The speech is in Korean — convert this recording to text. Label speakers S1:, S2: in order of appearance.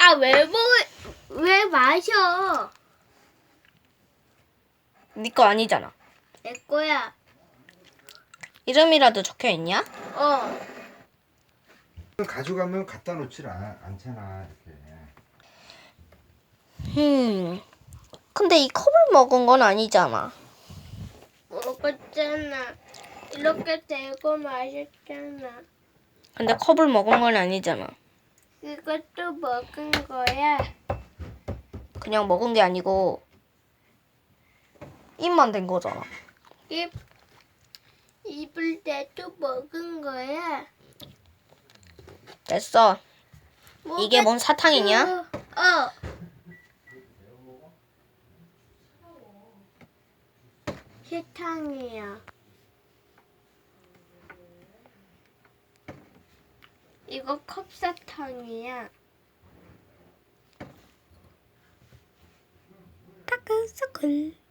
S1: 야, 왜 마셔?
S2: 네 거 아니잖아.
S1: 내 거야.
S2: 이름이라도 적혀 있냐?
S1: 어.
S3: 가져가면 갖다 놓질 않잖아 이렇게.
S2: 근데 이 컵을 먹은 건 아니잖아.
S1: 먹었잖아. 이렇게 대고 마셨잖아.
S2: 근데 컵을 먹은 건 아니잖아.
S1: 이것도 먹은 거야.
S2: 그냥 먹은 게 아니고 입만 댄 거잖아.
S1: 입을 대도 먹은 거야.
S2: 됐어. 이게 뭔 사탕이냐?
S1: 어. 사탕이야. 이거 컵사탕이야.
S2: 다크서클.